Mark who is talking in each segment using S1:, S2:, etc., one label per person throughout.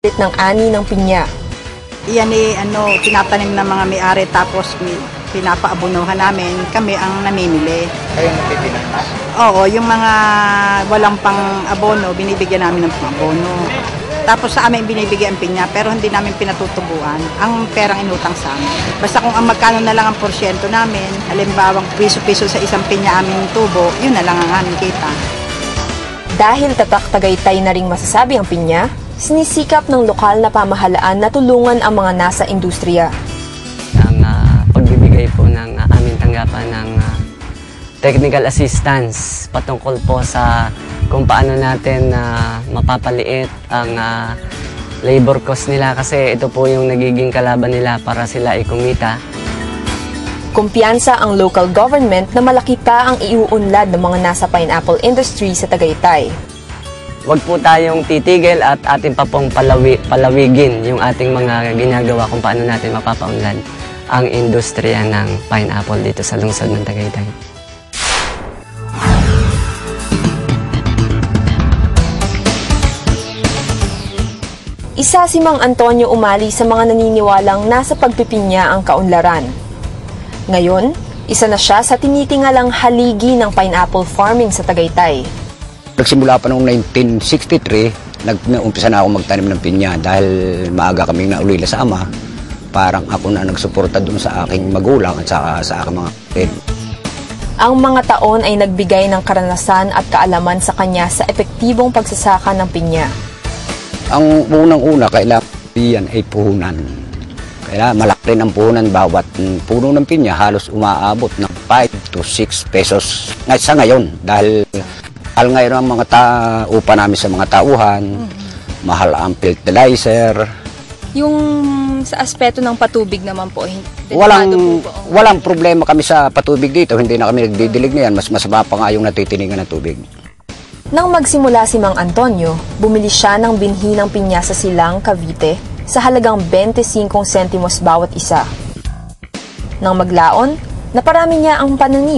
S1: ng ani ng pinya.
S2: Iyan tinatanim ng mga may-ari tapos pinapaabunuhan namin. Kami ang namimili.
S3: Kayo nagtitinang na?
S2: Oo, yung mga walang pang abono, binibigyan namin ng abono. Tapos sa amin binibigyan ang pinya, pero hindi namin pinatutubuan ang perang inutang sa amin. Basta kung ang magkano na lang ang porsyento namin, halimbawang piso-piso sa isang pinya aming tubo, yun na lang ang aming kita.
S1: Dahil tatak Tagaytay na ring masasabi ang pinya, sinisikap ng lokal na pamahalaan na tulungan ang mga nasa industriya.
S4: Ang pagbibigay po ng aming tanggapan ng technical assistance patungkol po sa kung paano natin mapapaliit ang labor cost nila kasi ito po yung nagiging kalaban nila para sila kumita.
S1: Kumpiyansa ang local government na malaki pa ang iuunlad ng mga nasa pineapple industry sa Tagaytay.
S4: Huwag po tayong titigil at atin pa pong palawigin yung ating mga ginagawa kung paano natin mapapaunlad ang industriya ng pineapple dito sa lungsod ng Tagaytay.
S1: Isa si Mang Antonio Umali sa mga naniniwalang nasa pagpipinya ang kaunlaran. Ngayon, isa na siya sa tinitingalang haligi ng pineapple farming sa Tagaytay.
S5: Nagsimula pa noong 1963, nag-umpisa na ako magtanim ng pinya dahil maaga kaming naulila sa ama. Parang ako na nagsuporta dun sa aking magulang at sa aking mga kapatid.
S1: Ang mga taon ay nagbigay ng karanasan at kaalaman sa kanya sa epektibong pagsasaka ng pinya.
S5: Ang unang-una, kailangan yan ay puhunan. Kailangan malaki rin ang puhunan. Bawat puno ng pinya halos umaabot ng 5 to 6 pesos sa ngayon. Dahil ngayon ang mga upa namin sa mga tauhan, mahal ang fertilizer.
S6: Yung sa aspeto ng patubig naman po,
S5: walang problema kami sa patubig dito. Hindi na kami nagdidilig na yan. Mas masama pa nga yung natitiningan ng tubig.
S1: Nang magsimula si Mang Antonio, bumili siya ng binhi ng pinya sa Silang, Cavite sa halagang 25 sentimos bawat isa. Nang maglaon, naparami niya ang pananim.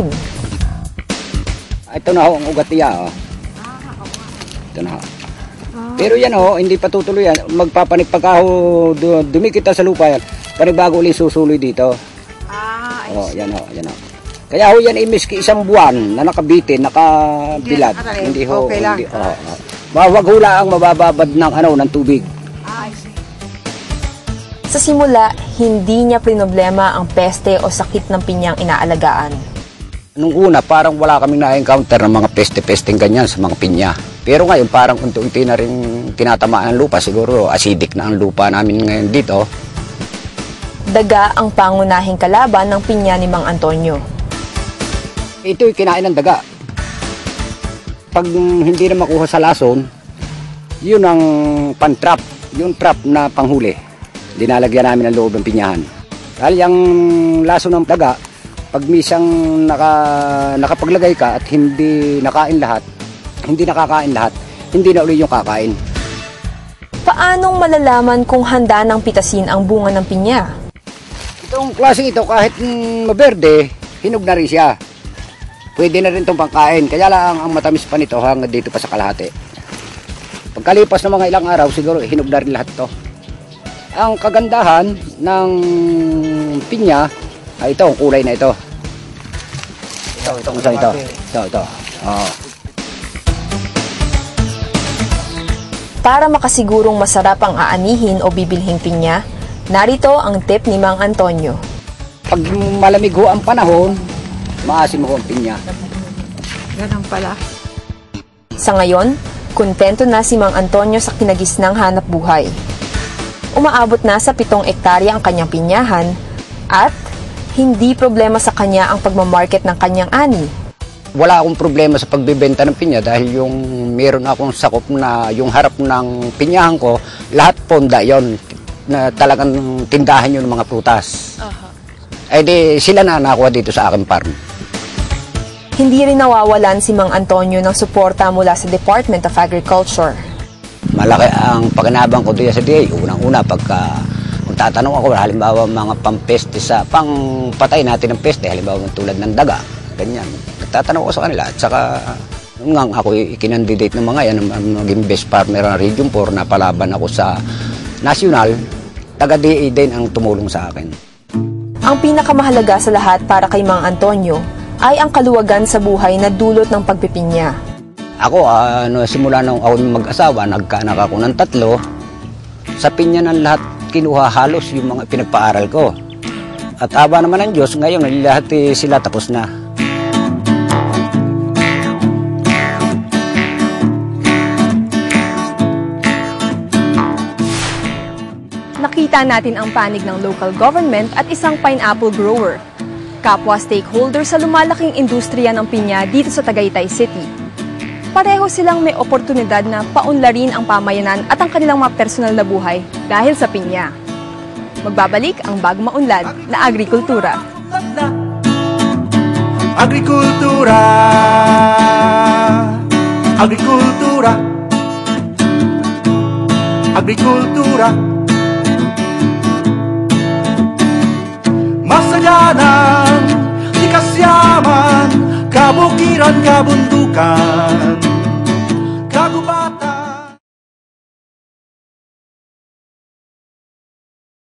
S5: Ito na ho ang ugat niya. Ito na ho. Pero yan hindi pa tutuloy yan. Magpapanik pagka dumikita sa lupa yan. Panibago ulit susuloy dito. Yan ho. Kaya ho yan miski isang buwan na nakabitin, nakabilad. Hindi ho.
S2: Okay lang.
S5: Wag hula ang mabababad ng tubig.
S1: Sa simula, hindi niya problema ang peste o sakit ng pinyang inaalagaan.
S5: Nung una, parang wala kaming na-encounter ng mga peste-pesting ganyan sa mga pinya. Pero ngayon, parang unti-unti na rin tinatamaan ng lupa. Siguro, acidic na ang lupa namin ngayon dito.
S1: Daga ang pangunahing kalaban ng pinya ni Mang Antonio.
S5: Ito'y kinain ng daga. Pag hindi na makuha sa lason, yun ang pan-trap. Yung trap na panghuli. Dinalagyan namin ang loob ng pinyahan. Dahil yung lason ng daga, pag misang nakapaglagay ka at hindi nakakain lahat, hindi na uli yung kakain.
S1: Paanong malalaman kung handa ng pitasin ang bunga ng pinya?
S5: Itong klaseng ito, kahit maberde, hinog na rin siya. Pwede na rin itong pangkain. Kaya lang ang matamis pa nito hanggang dito pa sa kalahati. Pagkalipas ng mga ilang araw, siguro hinog na rin lahat ito. Ang kagandahan ng pinya ay ito, ang kulay na ito. Ito.
S1: Para makasigurong masarap ang aanihin o bibilhing pinya, narito ang tip ni Mang Antonio.
S5: Pag malamig ho ang panahon, maasim ho ang pinya.
S2: Ganun pala.
S1: Sa ngayon, kontento na si Mang Antonio sa kinagisnang hanap buhay. Umaabot na sa 7 ektarya ang kanyang pinyahan at hindi problema sa kanya ang pagmamarket ng kanyang ani.
S5: Wala akong problema sa pagbibenta ng pinya dahil yung meron akong sakop na yung harap ng pinyahan ko, lahat ponda yon na talagang tindahan yun ng mga prutas. Eh di sila na nakuha dito sa aking farm.
S1: Hindi rin nawawalan si Mang Antonio ng suporta mula sa Department of Agriculture.
S5: Malaki ang pakinabang ko doon sa DA. Unang-una, kung tatanong ako, halimbawa mga pampeste pangpatay natin ng peste, halimbawa tulad ng daga, ganyan. Nagtatanong ako sa kanila. At saka, nung ako ikinandidate ng mga yan, maging best farmer ng Region 4, napalaban ako sa nasyonal, taga-DA din ang tumulong sa akin.
S1: Ang pinakamahalaga sa lahat para kay Mang Antonio ay ang kaluwagan sa buhay na dulot ng pagpipinya.
S5: Ako, simula nung ako mag-asawa, nagkaanak ako ng 3. Sa pinya ng lahat, kinuha halos yung mga pinagpaaral ko. At aba naman ng Diyos, ngayon lahat sila tapos na.
S6: Nakita natin ang panig ng local government at isang pineapple grower. Kapwa stakeholder sa lumalaking industriya ng pinya dito sa Tagaytay City. Pareho silang may oportunidad na paunlarin ang pamayanan at ang kanilang mga personal na buhay dahil sa pinya. Magbabalik ang bagong maunlad na agrikultura.
S3: Agrikultura, agrikultura, agrikultura. Masaganang, likas yaman, kabukiran, kabundukan.